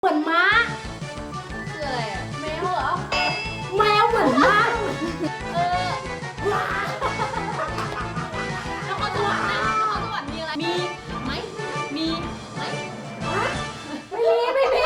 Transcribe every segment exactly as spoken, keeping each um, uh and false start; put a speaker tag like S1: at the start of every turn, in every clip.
S1: เหมือนม้าคืออะไรอ่ะแมวเหรอแมวเหมือนม้าเออว้านครสวรรค์นะนครสวรรค์มีอะไรมีไหมมีไหมไม่มีไม่มี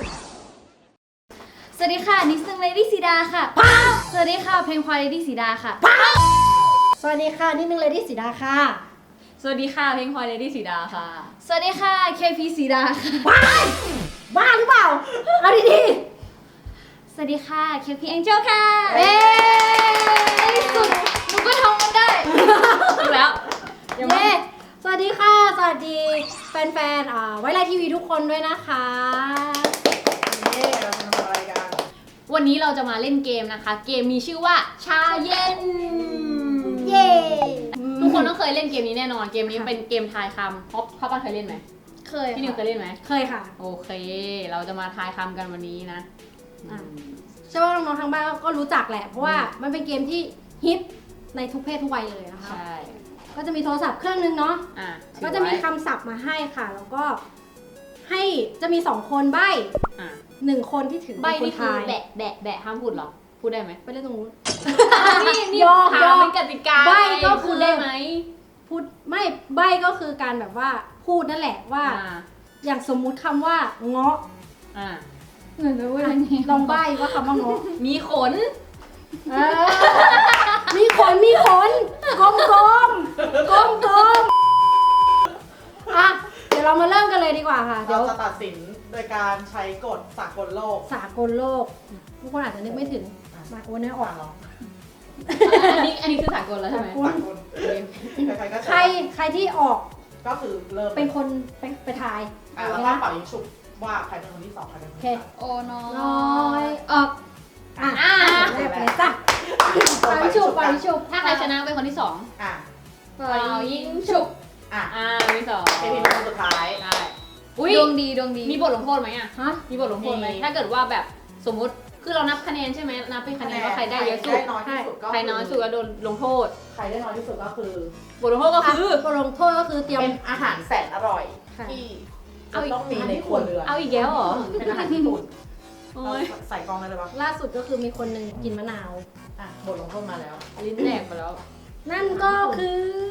S1: สวัสดีค่ะนิสนึงเลดี้สีดาค่ะสวัสดีค่ะเพลงควายเลดี้สีดาค่ะ
S2: สวัสดีค่ะนิดนึงเลดี้สีดาค่ะ
S1: สวัสดีค่ะเพลงควายเลดี้สีดาค่ะสวัสดีค่ะเคพีสีดาค่ะ
S2: บ้าหรือเปล่าเอาดี
S1: สวัสดีค่ะเคพีแองเจิลค่ะเย้สุดหนูก็ท่องมันได้ถูกแล้ว
S2: ๆเย้สวัสดีค่ะสวัสดีแฟนๆอ่าไว้ไลน์ทีวีทุกคนด้วยนะคะ
S3: เย้เราจะมาทำอะไรกัน
S1: วันนี้เราจะมาเล่นเกมนะคะ เกมมีชื่อว่าชาเย็น
S2: เย้
S1: ทุกคนต้องเคยเล่นเกมนี้แน่นอนเกมนี้เป็นเกมทายคำพ่อพ่อป้าเคยเล่นไหม
S2: เคย
S1: พี่นิวเคยเล่นไหม
S2: เคยค่ะ
S1: โอเค เราจะมาทายคำกันวันนี้นะ
S2: อ่ะ เชื่อว่าน้องๆทางบ้านก็รู้จักแหละเพราะว่ามันเป็นเกมที่ฮิตในทุกเพศทุกวัยเลยนะคะ
S1: ใช่
S2: ก็จะมีโทรศัพท์เครื่องนึงเนาะ
S1: อ่ะ
S2: ก็จะมีคำศัพท์มาให้ค่ะ แล้วก็ให้จะมีสองคนใบ้
S1: อ่ะ
S2: หนึ่งคนที่ถือ
S1: ใบ
S2: เป็นคน
S1: นี่คือ
S2: ทาย
S1: แบะแบะแบะห้ามพูดเหรอพูดได้ไหม
S2: ไปเล่นตรงนู้น
S1: นี่นี่
S2: ยอม
S1: ถาม
S2: ยอม
S1: เป็นกติกา
S2: ใบ้ก็
S1: ไง
S2: คือ
S1: พูดได้ไหม
S2: พูดไม่ใบ้ก็คือการแบบว่าพูดนั่นแหละว่า
S1: อ่า
S2: อย่างสมมุติคำว่าเงาะ
S1: อ่า
S2: เหมือนว่าลองใบ้ว่าคำว่าเงาะ
S1: มีขน
S2: เออมีขนมีขนกลมกลมกลมกลมอ่ะเดี๋ยวเรามาเริ่มกันเลยดีกว่าค่ะเดี๋
S3: เรา
S2: ยว
S3: จะตัดสินโดยการใช้กฎสากลโลก
S2: สากลโลกทุกคนอาจจะนึกไม่ถึงมาโอนเนื้อออก
S3: อ่ะลอง
S1: อันนี้อันนี้คือสากลแล้วใช่ไหม
S2: คุณ
S3: สากลใครๆก็
S2: ใคร
S3: ใช้
S2: ใครที่ออก
S3: ก็คือเริ่ม
S2: เป็นคนไปไปทาย
S3: อ่ะ
S2: โอ
S3: แล้ว
S2: เค
S3: ก็
S2: นะ
S3: เป่ายิงฉุบว่าใครเป็นคนที่สองใครเป็นคน
S2: โอเค
S3: ที่สาม
S1: โอ้น้อ
S2: น้อยออกอ่ะ
S1: อ่า
S2: แรกไปเลยจ้ะปาริชุบปาริชุบ
S1: ถ้าใครชนะเป็นคนที่สอง
S3: อ่ะ
S2: ปา
S1: เป่า
S2: ริ
S1: ยิงฉุบ
S3: อ่ะ
S1: อ่าที่สอง
S3: เอพีเป็นคนสุดท้าย
S1: ได้อุ้ยดวงดีดวงดีมีบทลงโทษไหมอ่ะ
S2: ฮะ
S1: มีบทลงโทษไหม
S3: มี
S1: ถ้าเกิดว่าแบบสมมุติคือเรานับคะแนนใช่ไหมนับเป็นคะแนนว่าใครได้เยอะสุด
S3: ใครได้น้อยที่สุดก็
S1: ใครน้อยสุดก็โดนลงโทษ
S3: ใครได้น้อยที่สุดก็คือบ
S1: ทลงโทษก็คือ
S2: บทลงโทษก็คือเตรียม
S3: เป็นอาหารแสนอร่อย
S2: ค่ะ
S3: ที่
S1: เอาอีก
S3: ต้องมีในครัวเรือน
S1: เอาอีกแล้วเหรอ
S3: เป็นอาหารญี่ปุ่น
S1: โอ้ย
S3: ใส่กล้องได้เลยปะ
S2: ล่าสุดก็คือมีคนหนึ่งกินมะนาว
S3: อ่ะบทลงโทษมาแล้ว
S1: ลิ้นแหลกไปแล้ว
S2: นั่นก็คือ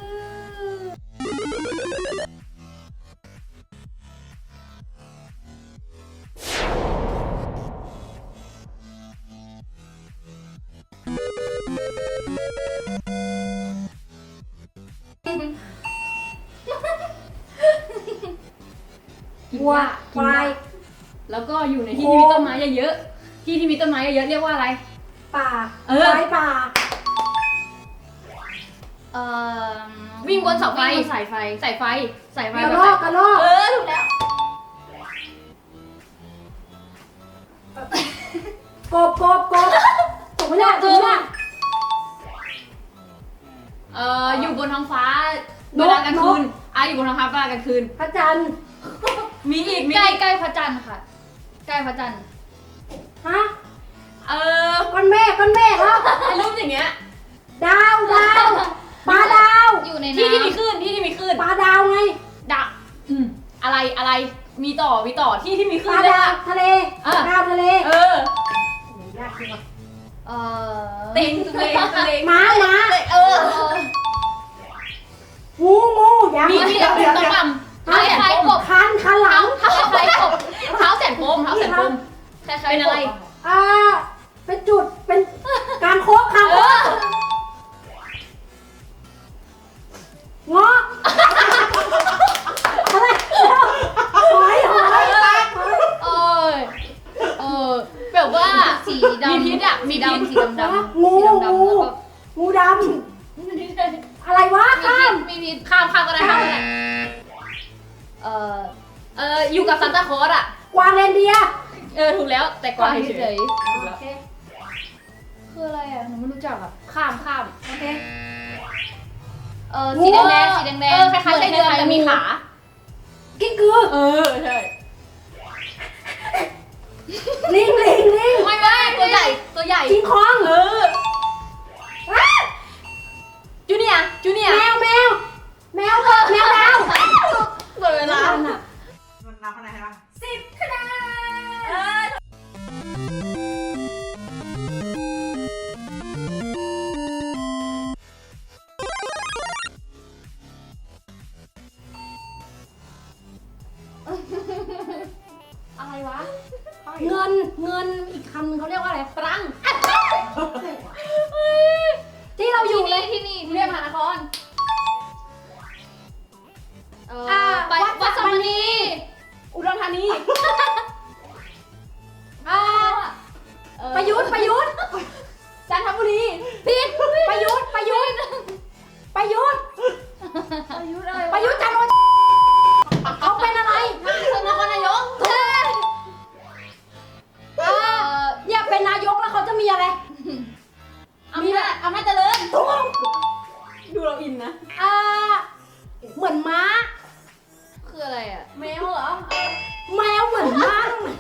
S2: วัวควาย
S1: แล้วก็อยู่ในที่ที่มีต้นไม้เยอะๆที่ที่มีต้นไม้เยอะๆเรียกว่าอะไร
S2: ป่า
S1: เออ
S2: ควายป่า
S4: เอ่อ
S1: วิ่งบนเสาไฟ
S4: วิ่งบนสายไฟ
S1: สายไฟสายไฟ
S2: กระรอกกระรอก
S1: เออถูกแล้ว
S2: กบกบกบถูกไหมเนี่ยถูกไหมเนี่ย
S1: เอ่ออยู่บนท้องฟ้าน
S2: ก
S1: เวลากลางคืน
S2: นก
S1: อ่ะอยู่บนท้องฟ้าเวลากลางคืน
S2: พระจันทร์
S1: มีอีกมี
S4: ใกล้
S1: อีก
S4: ใกล้พระจันทร์ค่ะ ใกล้พระจันทร์
S2: ฮะ
S1: เออ
S2: ก้อนเมฆก้อนเมฆครับ
S1: ไอ้รูปอย่างเงี้ย
S2: ดาวดาวปลาดาว
S4: อยู่ใน
S1: ที่
S4: น้
S1: ที่มีคลื่นที่ที่มีคลื่น
S2: ปลาดาวไง
S1: ดะอืมอะไรอะไรมีต่อมีต่อที่ที่มีค
S2: ป
S1: ลื่
S2: ลาน
S1: เลย
S2: ดาว
S1: อะ
S2: ทะเล
S1: เออ
S2: ดาวทะเล
S1: เออ
S2: ยากจริงว่ะ
S4: ำเอ่อ
S1: เต็งตุเลงตุเลง
S2: ม้าม้า
S1: เออ
S4: เอ่อ
S2: งูงูยัง
S1: มีมีแต่เป็นต้นลำเท้าแสนปม
S2: คันคันหลัง
S1: เท้าใครกบเท้าแสนปมเท้าแสนปม
S4: คล้ายๆ
S1: เป็นอะไร
S4: กบ
S2: อ่าเป็นจุดเป็นการโค้งคาง
S1: เอ
S2: โค้
S1: อง
S2: เงาะอะไรหอยหอยหอย
S1: เออเออแบบว่า
S4: สีดำ
S1: มีพิษอะมี
S4: สี
S1: พิษ
S4: ดำสีดำดำ
S2: งู
S4: สีดำดำ
S2: งู
S4: แล้วก็
S2: งูดำอะไรวะ
S4: มี
S2: ข้า
S4: พิ
S2: ม
S4: ษมีพิษ
S1: ข้ามข้ามก็ได้ข้ามก็ได้
S4: เอ่อ
S1: เอออยู่กับซานตาคลอสอะ
S2: กวางเรนเดียร์
S1: เออถูกแล้วแต่กวางเฉ
S4: เฉ
S1: ย
S4: ย
S1: ๆถูกแล้ว
S4: ๆคืออะไรอ่ะหนูไม่รู้จักอ่ะ
S1: ข้ามข้าม
S2: โอเค
S4: เอ่อสีแดงๆสีแดงๆ
S1: เออคล้ายๆไส้เดือนแต่มีขา
S2: กิ้งกือ
S1: เออใช่
S2: ลิงลิงลิง
S1: ไม่ไม่ตัวใหญ่ตัวใหญ่
S2: คิงคอง
S1: เออ
S2: อ้า
S1: จูเนียร์จูเนียร์
S2: แมวแมวแมวแมวดาว
S1: หมดเวลา
S2: ทันอะ
S3: มันนับคะแนนให้ป่ะ
S2: สิบคะแนนวะ เงินเงินอีกคำนึงเขาเรียกว่าอะไรตรังที่เราอยู่เลย
S4: ที่นี่ที่นี่เรียกมหานครเออ
S2: อ่า
S4: ไป
S2: วัด
S4: วัด
S2: ส
S4: ส
S2: ม
S4: ม
S2: ณี
S4: ณี
S2: อุดรธานีอ่า
S4: เออ
S2: ประยุทธ์ประยุทธ์จันทบุรีผิดประยุทธ์ประยุทธ์ประยุทธ์
S4: ประยุทธ์อะไร
S2: ประยุทธ์จันทร์โอชาเขาเป็นอะไร
S4: นครนายก
S2: เออ
S4: เออ
S2: เนี่ยเป็นนายกแล้วเขาจะมีอะไร
S4: อำนาจอำนาจเจริญ
S2: ถูก
S3: ดูเราอินนะ
S2: อ่าเหมือนม้า
S4: คืออะไรอ่ะ
S3: แมวเหรอ
S2: แมวเหมือนม้า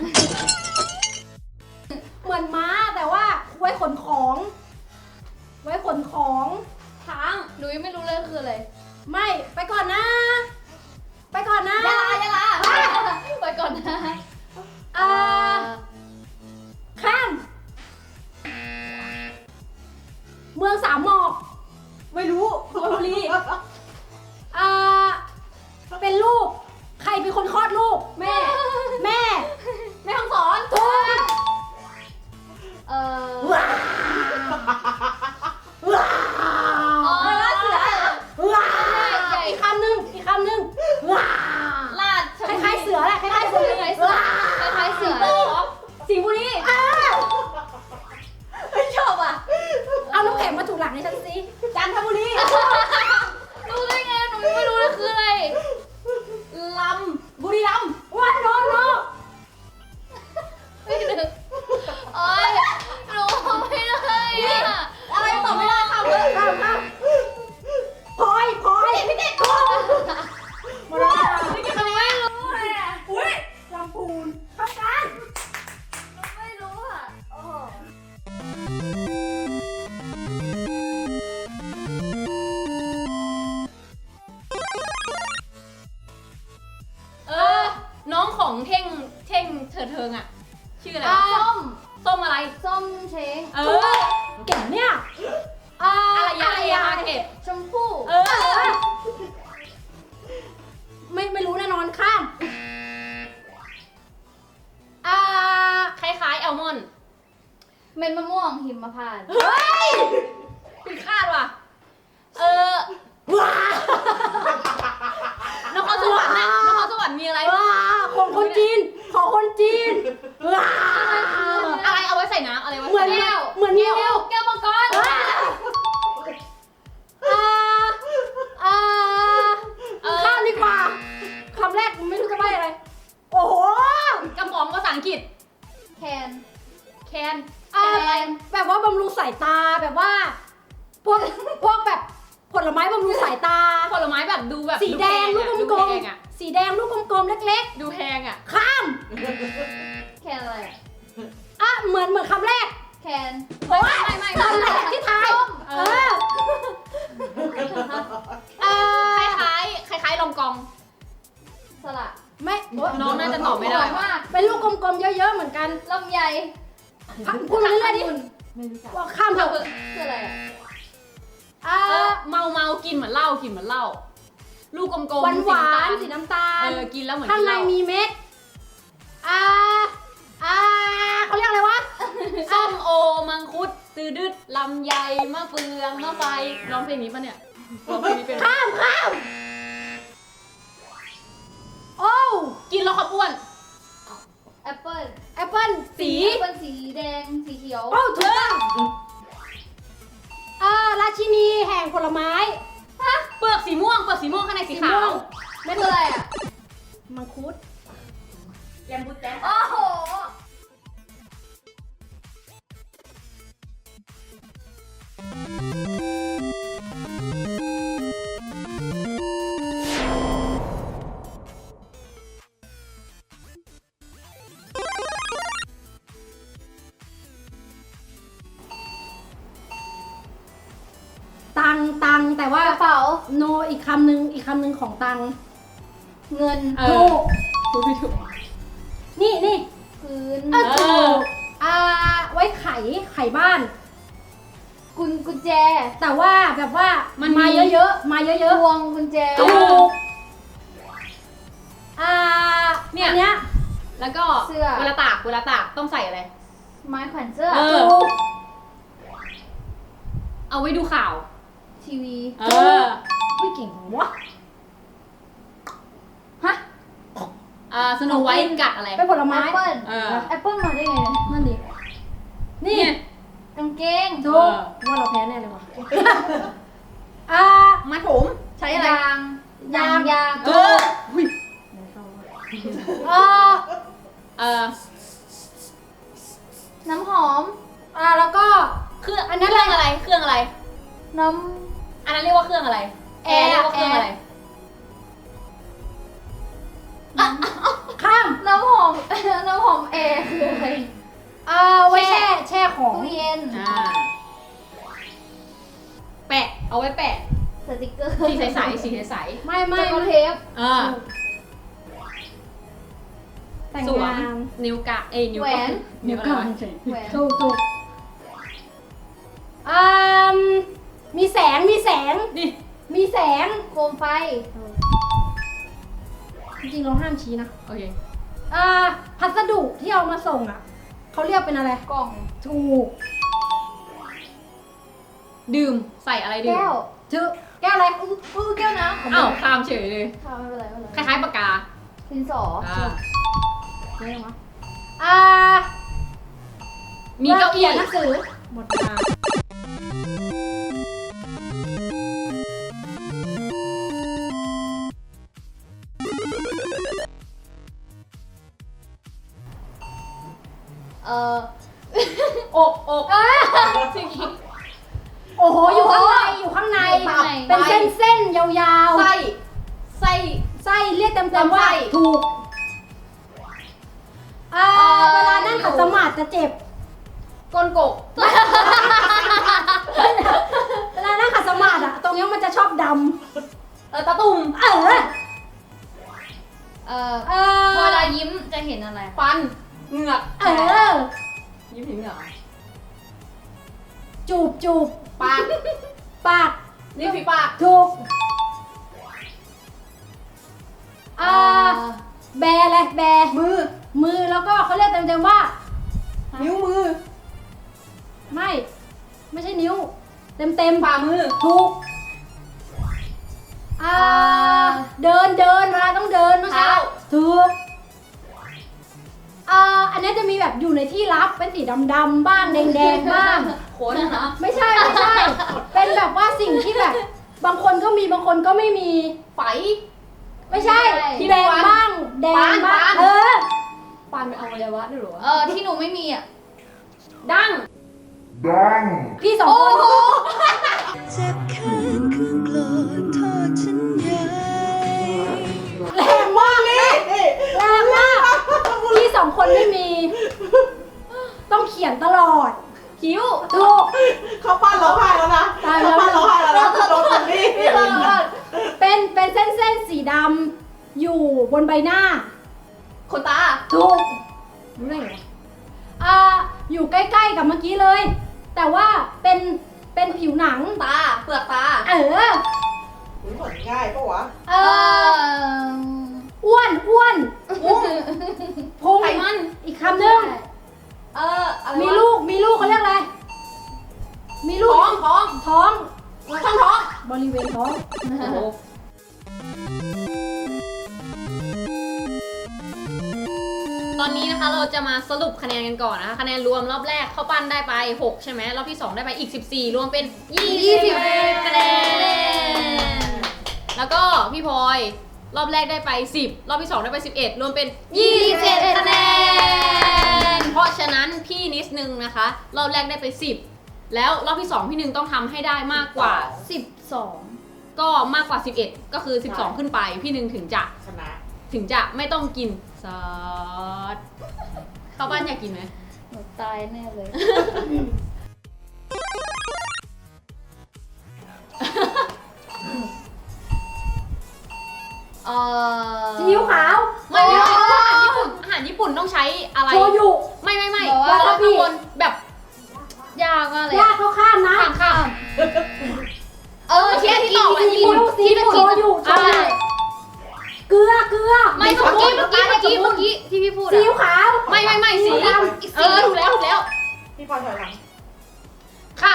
S2: เหมือนม้าแต่ว่าไว้ขนของ ไว้ขนของ
S4: ช้างหนูยังไม่รู้เลยคืออะไร
S2: ไม่ไปก่อนนะ ไปก่อนนะ
S4: ยะลายะลาไปก่อนนะ
S2: อ่าข้ามเมืองสามหมอก
S3: ไม่รู้สุพรรณบุรี
S2: อ่าเป็นลูก ใครเป็นคนคลอดลูก แม่ แม่
S4: แม่ห้องสอน
S2: ถูก
S4: เออ
S2: ว้าว้า
S4: อ๋อเสือ
S2: ว้า
S4: ใหญ่
S2: อีกคำหนึ่งอีกคำหนึ่งว้า
S4: ลาด
S2: คล้ายๆเสือแหละคล้ายๆเสือ
S4: คล้ายๆเสือคล้ายๆเสือ
S2: สิงห์บุรีอ่า
S3: ไม่ชอบอ่ะ
S2: เอาน้ำแข็งมาถูหลังในฉันสิ
S3: จันทบุรี
S4: รู้ได้ไงหนูยังไม่รู้เลยคืออะไร
S3: ลำบุรีรัมย์
S2: วันโนโน
S4: ไม่นึกโอ๊ยหนูไม่ได้อะ
S3: อะไรตอบไม่ได้ค่ะเพื่อน
S2: ข้ามข้ามพลอยพลอยพี่เด็กถูกหมดเวลา
S4: ไม่รู้เลยอะ
S2: อุ้ยลำพูนเข้ากัน
S4: หนูไม่รู้อ่ะโอ้โห
S3: เออ น้องของเท่งเท่งเถิดเทิงอ่ะ ชื่ออะไร
S2: อ่าว
S3: ะ
S4: ส้ม
S3: ส้มอะไร
S4: ส้มเช้ง
S3: เอ
S2: ถู
S3: อ
S2: กเก่งเนี่ยอ่า
S3: อะไรยาอะไรยาเก็บ
S4: ชมพู่
S3: เออ
S2: ไม่ไม่รู้แน่นอนข้ามอ่า
S3: คล้ายๆแอลมอนด์
S4: เม็ดมะม่วงหิมพานต์
S2: เฮ้ย
S3: ผิดคาดว่ะ เออ
S2: ว้าน
S3: ครสวรรค์น่ะนครสวรรค์มีอะไร
S2: ว้าของคนจีนของคนจีนว้า
S3: อะไรเอาไว้ใส่น้ำอะไรไว้
S2: เหมือน
S3: ใส่
S2: แก้
S3: น้
S2: วเหมือนแก้ว
S4: แก้วมังกร
S2: ว้าอ่าอ่า
S3: ำเออ
S2: ข้ามดีกว่าคำแรกไม่รู้จะใบ้อะไร โอ้โห
S3: กระป๋องภาษาอังกฤษ
S4: แคน
S3: แคน
S2: อ่าแบบว่าบำรุงสายตาแบบว่า พวกพวกแบบผลไม้บำรุงสายตา
S3: ผลไม้แบบดูแบบ
S2: สีแดงลูก
S3: ดู
S2: กล
S3: แพ
S2: ม
S3: งอะ
S2: ๆสีแดงลูกกลมๆเล็ก
S3: ดูแพงอ่ะ
S2: ๆ ข้าม
S4: แคนอะไรอะ
S2: อ่ะเหมือนเหมือนคำแรก
S4: แคน
S2: โอ้ย
S3: ไม่ไม่
S2: คำแรกที่ทายเออเออ
S3: คล้ายคล้ายๆคล้ายๆลองกอง
S4: สละ
S2: ไม่โอ๊ย
S3: น้องน่าจะตอบไม่ได้
S4: หวานมาก
S2: เป็นลูกกลมๆเยอะๆเหมือนกัน
S4: ลำไย
S2: พูดมาเรื่อยๆดิว่าข้ามเถอะ
S4: คืออะไรอ่ะ
S2: อ่า
S3: เออเมาเมากินเหมือนเหล้ากินเหมือนเหล้าลูกกลมๆ
S2: หวานหวานๆ
S3: สี
S2: สี
S3: น้ำ
S2: น้ำตา
S3: ตาล
S2: ล
S3: เออกินแล้วเหมือน
S2: ข้าง
S3: กิน
S2: ใน
S3: เหล้า
S2: มีเม็ดอ่าอ่าเขาเรียกอะไรวะ
S3: ส้มโอมังคุดตือดึดลำไยมะเฟืองมะไฟร้องเพลงนี้ปะเนี่ยร้องเพลงนี้เป็นไหม
S2: ข้ามข้ามโอ้ว
S3: กินแล้วขับอ้วน
S4: แอปเปิ้ล
S2: แอปเปิ้ลสี
S4: แอปเปิ้ลสีแดงสีเขียว
S2: โอ้ถูกต้องอ่าราชินีแห่งผลไม้
S3: เปลือกสีม่วงเปลือกสีม่วงข้างในสีขาว
S4: ไม่คืออะไรอ่ะ
S2: มังคุด
S3: แยมบุตแจ๊
S4: โอ้โห
S2: ตังตังแต่ว่าก
S4: ระเป๋า
S2: โนอีกคำหนึ่งอีกคำหนึ่งของตัง
S4: เงิน
S3: เอ
S2: ถู
S3: อก ถูกถูก
S2: นี่นี่
S4: พื้น
S2: เออถูกอ่าไว้ไขไขบ้าน
S4: กุญกุญแจ
S2: แต่ว่าแบบว่ามันมาเยอะๆมาเย
S4: พ
S2: อะ
S4: วงกุญแจ
S2: ๆถูกอ่า
S3: เนี่ย
S2: อันเนี้ย
S3: แล้วก็เวลาตากเวลาตากต้องใส่อะไร
S1: ไม้แขวนเสื้อ
S3: เออ
S2: ถูก
S3: เอาไว้ดูข่าว
S1: ทีวี
S3: เออ
S2: ไม่เก่งของวะ
S1: ฮะ
S3: อ่าสโนไวท์กัดอะไร
S2: เป็นผล
S1: แอ
S2: ไม้
S1: ปเปิ้ล
S3: เออ
S1: แอปเปิ้ลมาได้ไงเนี่ย
S2: นั่นดิ นี่
S3: เนี่ย
S1: กางเกง
S2: ถูกว่าเราแพ้แน่เลยวะอ่า
S3: มาผมใช้อะไร
S1: ยางยางยาง
S3: เออ
S2: อ่า
S3: เออ
S1: น้ำหอม
S2: อ่าแล้วก็
S3: เครื่องอันนั้นเครื่องอะไรเครื่องอะไร
S1: น้
S3: อันนั้นเรียกว่าเครื่องอะไร
S1: ำ
S3: แอร์เรียกว่าเครื่องอะไร
S2: ข้าม
S1: น้ำหอม น้ำหอมแอร์คืออะไร
S2: อ่าไว้แช่แช่ของ
S1: ตู้เย็น
S3: อ่าแปะเอาไว้แปะ
S1: สติกเกอร์
S3: สีใสๆสีใส
S2: ไม่
S1: ไม่
S2: ไม่
S1: เทป
S3: ๆเออ
S2: แต่ง
S3: สวม
S2: งาน
S3: นิ้วกะเอ้ยนิ้ว
S1: แหวน
S3: นิ้วอะไรวะ
S1: แหวน
S2: ถูกถูกอ่ามีแสงมีแสง
S3: นี่
S2: มีแสง
S1: โคมไฟ
S2: จริงๆเราห้ามชี้นะ
S3: โอเค
S2: อ่าพัสดุที่เอามาส่งอ่ะเขาเรียกเป็นอะไร
S1: กล่อง
S2: ถูก
S3: ดื่มใส่อะไรดื่ม
S1: แก้ว
S2: ชื่อแก้วอะไร
S1: อู้อู้แก้วน้ำ
S3: อ้าวข้ามเฉยเลย
S1: ค่ะไม่เป็นไรไม่เป็น
S3: ค
S1: ไร
S3: ล้ายๆปากกา
S1: ดินสอ
S3: อ่า
S2: อะไรวะอ่า
S3: มีเก้าอี้
S2: ขียนหนังสือหมดเวลา
S1: เอ่อ
S3: อกอก
S2: อ่า
S3: สิ่งนี้
S2: โอ้โหอยู่ข้างในอยู่ข้างใน
S1: อยู่ข้างใน
S2: เป็นเส้นเส้นๆยาว
S3: ไส้ไส้
S2: ๆไส้เรียกเต็มๆว่า
S3: ลำไส้
S2: ถูกอ่า
S1: เอ่อ
S2: เวลานั่งขัดสมาธิจะเจ็บ
S3: ก้นกก
S2: เวลานั่งขัดสมาธิอะตรงนี้มันจะชอบด
S3: เออตะตุ่ม
S2: ำเออ
S1: เอ่อ
S2: เอ
S1: พอ
S2: อ
S1: เวลายิ้มจะเห็นอะไร
S3: ฟันเหงือก
S2: เออ
S3: ยิ้มเห็นเหงือก
S2: จูบจูบ
S3: ปาก
S2: ปาก
S3: ริมฝีปาก
S2: ถูกอ่าแบอะไรแบ
S3: มือ
S2: มือแล้วก็เขาเรียกเต็มๆว่า
S3: นิ้วมือ
S2: ไม่ ไม่ใช่นิ้ว เต็มเต็มๆ
S3: ฝ่ามือ
S2: ถูกอ่าเดินเดินเวลาต้องเดินไม่ใช่
S3: เท้า
S2: ถูกอ่าอันนี้จะมีแบบอยู่ในที่ลับเป็นสีดำๆบ้างแดงๆบ้าง
S3: ขนนะ
S2: ไม่ใช่ไม่ใช่ เป็นแบบว่าสิ่งที่แบบ บางคนก็มีบางคนก็ไม่มี
S3: ไฝ
S2: ไม่ใช่
S3: ที่
S2: แดง
S3: ฟัน
S2: บ้าง แดง
S3: ปาน
S2: บ้าง
S3: ปาน
S2: เออ
S3: ปานเป็นอวัยวะด้วยเหรอ
S1: เออที่หนูไม่มีอ่ะ
S3: ดั้ง
S2: พี่สองคน
S5: เจ็บแค้นคือโกรธโทษฉันใหญ่
S2: แรงมากเลยแรงมากพี่สองคนไม่มี ต้องเขียนตลอด
S3: คิ้ว
S2: ถูก
S6: เขาปั้นร้องไห้แล้วนะ
S2: ตายแล้
S6: เขา
S2: ว
S6: ปั้นร้องไห้แล้วนะโดนคนนี้
S2: เป็นเป็นเส้นเส้นๆสีดำอยู่บนใบหน้า
S3: ขนตา
S2: ถูกรู้ได้ไงวะอ่าอยู่ใกล้ๆกับเมื่อกี้เลย แต่ว่าเป็นเป็นผิวหนัง
S3: ตา เปลือกตา
S2: เออ
S6: อุ๊ยเหมือนง่ายปะวะ
S2: เอ
S1: เอ
S2: อ
S1: อ
S2: อ้วนอ้วนพุงพุง
S3: ไขมัน
S2: อีกคำหนึ่ง
S3: เอออะไร
S2: มี
S3: วะ
S2: ลูกมีลูกเขาเรียกอะไร มีลูก
S3: ท้องท้อง
S2: ท้อง
S3: ช่องท้อง
S2: บริเวณท้อง
S3: โอ้โหตอนนี้นะคะเราจะมาสรุปคะแนนกันก่อนนะคะคะแนนรวมรอบแรกเข้าปั้นได้ไปหกใช่ไหมรอบที่สองได้ไปอีกสิบสี่รวมเป็นยี่สิบคะแนนแล้วก็พี่พลอยรอบแรกได้ไปสิบรอบที่สองได้ไปสิบเอ็ดรวมเป็นยี่สิบเอ็ดคะแนนเพราะฉะนั้นพี่นิดนึงนะคะ รอบแรกได้ไปสิบแล้วรอบที่สองพี่หนึ่งต้องทำให้ได้มากกว่า
S1: สิบสอง
S3: ก็มากกว่าสิบเอ็ดก็คือสิบสองขึ้นไปพี่หนึ่งถึงจะ
S6: ชนะ
S3: ถึงจะไม่ต้องกินซอสเข้าบ้านอยากกินไหม
S1: หนูตายแน่เลย เออ
S2: ซีอิ๊วขาว
S3: ไม่ไม่ไม่อาหารญี่ปุ่นอาหารญี่ปุ่นต้องใช้อะไร
S2: โชยุ
S3: ไม่ไม่ไม่
S1: บอกว่า
S3: แล้วข้างบนแบบ
S1: ยากมากเลย
S2: ยากเข้าข้ามนะ
S3: ข้างข้าง
S1: เออ
S3: เทียบที่ตอบอ่ะ
S2: ซีอิ๊วซีอิ๊วโชยุโช
S3: อ่า
S2: ยุเกลือเกลือ
S3: ไม่เมื่อกี้เมื่อกี้เมื่อกี้เมื่อกี้ที่พี่พูด
S2: ซี
S3: อะ
S2: อิ๊วขาว
S3: ไม่ไม่ไม่สี
S2: สีด
S3: เออถูกแล้วถูกแล้ว
S6: พี่พลอยถอยหลัง
S3: ข้าม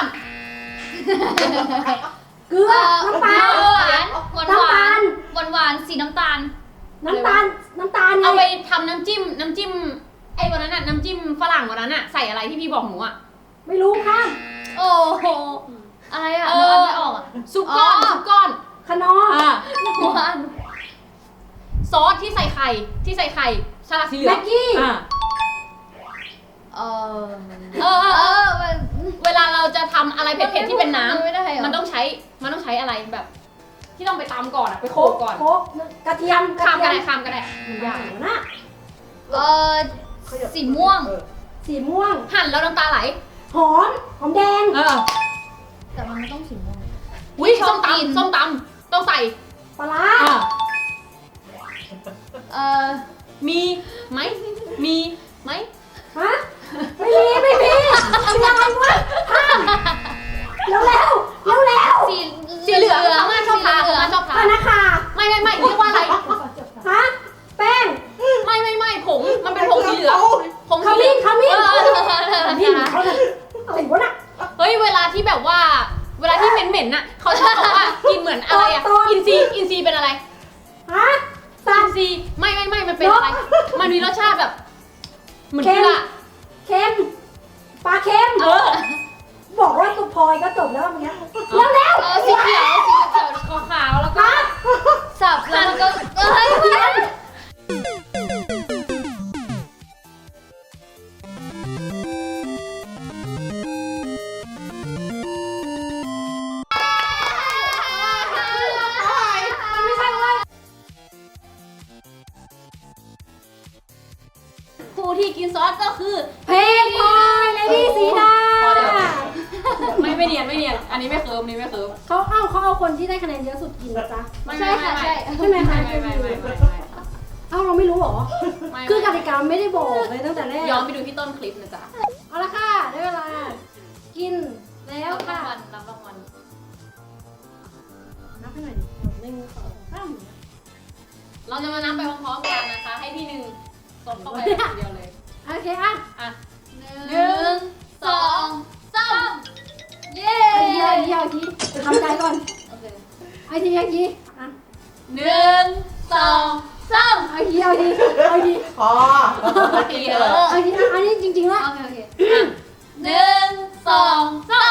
S2: เกลือน้ำปลา
S1: หวานหวานหวานหวานหวานสีน้ำตาล
S2: น้ำตาลน้ำตาลไง
S3: เอาไปทำน้ำจิ้มน้ำจิ้มไอ้วันนั้นน่ะน้ำจิ้มฝรั่งวันนั้นน่ะใส่อะไรที่พี่บอกหนูอ่ะ
S2: ไม่รู้ค่ะ
S1: โอ้โหอะไรอ่ะ
S3: เอ
S1: นึก
S3: อ
S1: ไม่ออกอ่ะ
S3: ซุปก้อน
S1: อ๋อ
S3: ซุปก้อน
S2: ขนอ
S3: อ่า
S1: หวาน
S3: ซอสที่ใส่ไข่ที่ใส่ไข่ฉลากสีเหลือง
S2: แม็กกี้
S3: อ่า
S1: เออ
S3: เออเออ
S1: เอ
S3: เออ
S1: อมัน
S3: เวลาเราจะทำอะไรเผ็ดๆที่เป็นน้ำ
S1: ไม่ได้เหรอ
S3: มันต้องใช้มันต้องใช้อะไรแบบ ที่ต้องไปตำก่อนอะไปโข
S2: โค
S3: ล
S2: ก
S3: กก่อน
S2: โคกกระเทียมกระ
S3: ข้าม
S2: เที
S3: ก็
S2: ย
S3: ได้
S2: ม
S3: ข้ามก็ได้
S2: มันยากอยู่นะ
S1: เออสีม่วง
S6: เออ
S2: สีม่วง
S3: หั่นแล้วน้ำตาไหล
S2: หอมหอมแดง
S3: เออ
S1: แต่มันไม่ต้องสีม่วง
S3: อุ้ย
S1: ชอ
S3: ส้
S1: บ
S3: ม
S1: กิน
S3: ตำส้มตำต้องใส่
S2: ปลาร้า
S3: อ่า
S1: เออ
S3: มีไหมมีไหม
S2: ฮะไม่มีไม่มีมีอะไรวะห้ามเร็วเร็วเร็วเร็ว
S1: สี
S3: สีเหลืองอาม่าชอบทาน
S1: สีเหลื
S3: อา
S1: อง
S3: ม่าชอบทา
S2: ปาน นาคา
S3: ไม่ไม่ไม่เรียกว่าอะไร
S2: ฮะแป้ง
S3: ไม่ไม่ไม่ผงมันเป็นผงสีเหลืองผง
S2: ข
S3: สีเหลื
S2: มิ้
S3: อน ง
S2: ขมิ้น
S3: เออ
S2: ขมิ้นเขาเลยอะไรวะน่ะ
S3: เฮ้ยเวลาที่แบบว่า เวลาที่เหม็นๆน่ะเขาชอบบอกว่ากินเหมือนอะไรอะ
S2: ตอน
S3: อินซีอินซีเป็นอะไร
S2: ฮะสัต
S3: อิน
S2: ว์
S3: ซีไม่ไม่ไม่มันเป็นอะไร มันมีรสชาติแบบ เหมือน
S2: เค็
S3: เก
S2: ม
S3: ลือ
S2: เค็มปลาเค็ม
S3: เออ
S2: บอกว่าตุกพลอยก็จบแล้วเมื่อกี้เร็วเร็ว
S1: เออสีเขียวสีเขียวขาวๆแล้วก็
S2: ฮะ
S1: สับแล้วมันก็เอ้ย
S2: เค็ม
S3: ไม่ใช่เว้ยผู้ที่กินซอสก็คือ
S2: เพลงพลอยเลดี้สีดา
S3: พอแล้ว ไม่ไม่เนียนไม่เนียน อันนี้ไม่เคิร์มอันนี้ไม่เคิร์ม
S2: เขาเอาเขาเอาคนที่ได้คะแนนเยอะสุดกินนะจ๊ะ
S3: ไม่
S1: ใช่
S3: ไม่
S1: ค่ะ
S3: ไม่
S1: ใช่
S2: ใช่ไหมคะ
S3: ไม่ไม่ไม่ไม่ไม่
S2: เอ้าเราไม่รู้เหรอ
S3: ไม่
S2: คือกติกาไม่ได้บอกเลยตั้งแต่แรก
S3: ย้อนไปดูที่ต้นคลิปนะจ๊ะ
S2: เอาละค่ะได้เวลา กินแล้ว
S1: รับรา
S2: ค่ะ
S1: งวัลรับรางวัล
S2: นับให้หน่อยดิหนึ่งสองสาม
S3: เราจะมานับไปพร้อมๆกันนะคะ ให้พี่หนึ่งตบเข้าไปคนเดียวเลย
S2: โอเคอ่ะ
S3: อ่ะ
S1: หนึ่งสองสามเย้
S2: เอาทีเอาทีเอาทีทำใจก่อน
S1: โอเค
S2: เอาทีเอาทีอ่ะ
S3: หนึ่งสอง
S1: สาม
S2: เอาทีเอาทีเอาที
S6: พอ
S3: โอเคเออ
S2: เอาทีอ่ะอันนี้จริงๆแล้ว
S1: โอเคโอเค
S3: หนึ่งสองสาม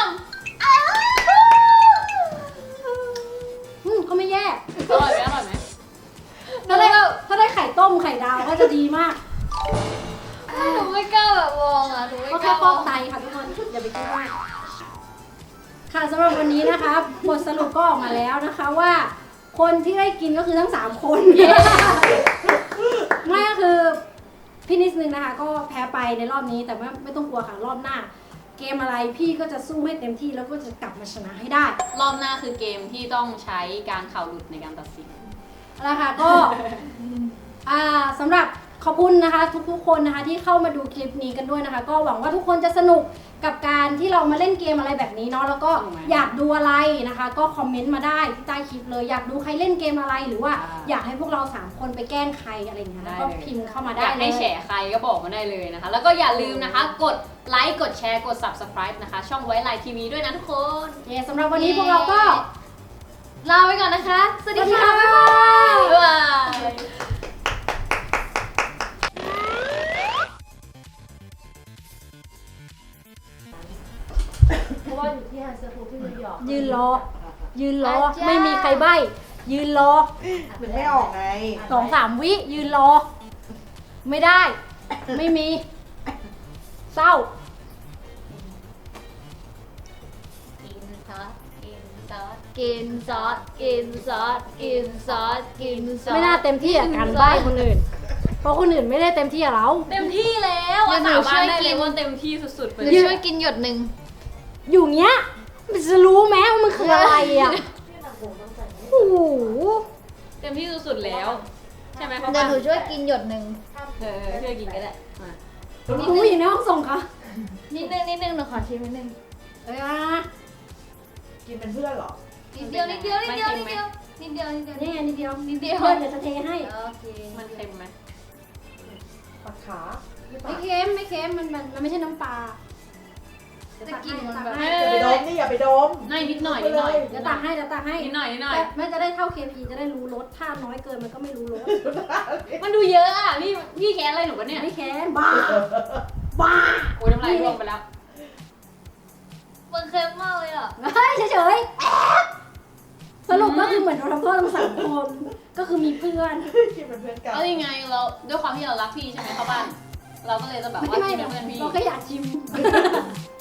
S2: อืมก็ไม่แย่
S3: อร่อยไหมอร่อยไหม
S2: ถ้าได้ถ้าได้ไข่ต้มไข่ดาวก็จะดีมาก
S1: หนูไม่กล้าแบบมองอ่ะหนูไม่
S2: ก็
S1: ก
S2: แค่
S1: ล้า
S2: ฟอกไตค่ะทุกคนอย่าไปคิดมากค่ะสำหรับวันนี้นะคะบทสรุปก็ออกมาแล้วนะคะว่า คนที่ได้กินก็คือทั้งสามคน ไม่ก็คือพี่นิดนึงนะคะ ก็แพ้ไปในรอบนี้แต่ว่าไม่ต้องกลัวค่ะรอบหน้า เกมอะไรพี่ก็จะสู้ให้เต็มที่แล้วก็จะกลับมาชนะให้ได้
S3: รอบหน้าคือเกมที่ต้องใช้การเข่าหลุดในการตัดสิน
S2: เอาละค่ะก็ อ่าสำหรับขอบคุณนะคะ ทุกๆคนนะคะที่เข้ามาดูคลิปนี้กันด้วยนะคะ ก็หวังว่าทุกคนจะสนุกกับการที่เรามาเล่นเกมอะไรแบบนี้เนาะแล้วก็
S3: ถูกไหม
S2: อยากดูอะไรนะคะ ก็คอมเมนต์มาได้ที่ใต้คลิปเลยอยากดูใครเล่นเกมอะไรหรือว่า
S3: อ่า
S2: อยากให้พวกเราสามคนไปแกล้งใครอะไรอย่างเงี้ย
S3: ได้
S2: ก็
S3: เลย
S2: พิมพ์เข้ามา
S3: อ
S2: ได้
S3: ยากให้
S2: เลย
S3: แฉใครก็บอกมาได้เลยนะคะ แล้วก็อย่าลืมนะคะ กดไลค์ กดแชร์ กด ซับสไครบ์ นะคะ ช่องไว้ไลน์ทีวีด้วยนะทุกคน
S2: โอเคสำหรับวันนี้พวกเราก็
S1: ลาไปก่อนนะคะ สวัสดีค่ะ
S2: บ๊ายบาย
S3: บ๊ายบาย
S2: เพราะว่าอยู่ที่ฮันเซอร์ฟูที่นิวยอร์กยืนรอ ยืนรอ ไม่มีใครใบ้ยืนรอ
S6: ถึงไม่ออกไง
S2: สองสามวิยืนรอ ไม่ได้ ไม่มี เศร้า
S1: กินซอสกินซอสกินซอสกินซอสกินซอสกินซอส
S2: ไม่น่าเต็มที่กับการใบ้คนอื่น เพราะคนอื่นไม่ได้เต็มที่กับเรา
S3: เต็มที่แล้วอ่ะสาบานได้เลยว่าเต็มที่สุดๆไป
S1: ห
S3: เล
S1: นู
S3: ย
S1: ช่วยกินหยดหนึ่ง
S2: อยู่เงี้ยมันจะรู้ไหมว่ามันคืออะไรอ่ะ โอ้โห
S3: เต็มที่สุดๆแล้ว ใช่ไหมเขา
S1: เดี๋ยวหนูช่วยกินหยดหนึ่ง
S3: เออช่วยกินก็ได้มา
S2: คุณผู้หญิงในห้องส่งค่ะ
S1: นิดนึงนิดนึงหนูขอชิมนิดนึง
S2: เอ้ยอ่ะ
S6: กินเป็นเพื่อนเหรอ
S1: นิดเดียวนิดเดียวนิดเดียวนิดเดียวนินิดเดียวนิดเดียว
S2: นี่ไงนิดเดียว
S1: นิดเดียว
S2: เดี๋ยวจะเทให้
S1: โอเค
S3: มันเค็มไหม
S6: ปัดขาไม่ปั
S2: ไม่
S6: ด
S2: เค็มไม่เค็มมันมันมันไม่ใช่น้ำปลา
S1: จะกินมันแบบ
S6: อย่าไปดมนี่อย่าไปดม
S3: น้อยนิดหน่อยนิดหน่อย
S2: เดี๋ยวตักให้เดี๋ยวตักให้
S3: นิดหน่อยนิดหน่อย
S2: แต่ไม่จะได้เท่า เค พี จะได้รู้รสถ้าน้อยเกินมันก็ไม่รู้รส
S3: มันดูเยอะอ่ะพี่พี่แค้นอะไรหนูวะเนี่ย
S2: ไม่เค็มบ้าบ้า
S3: โอ้ยน้ำลายร่วงไปแล้ว
S1: มันเค็มมากเลยอ่ะ
S2: เฮ้ยเฉยๆสรุปก็คือเหมือนเราทำเพื่อนทั้งสามคนก็คือมีเพื่อน
S6: กินเป็นเพื่อนกัน
S3: เอายังไงเราด้วยความที่เรารักพี่ใช่ไหมเข้าบ้าน เราก็เลยจะแบบว่า
S2: ไม่
S3: กิน
S2: ไม่
S3: เป็นเพื่อนพี่
S2: เราแค่อยากชิม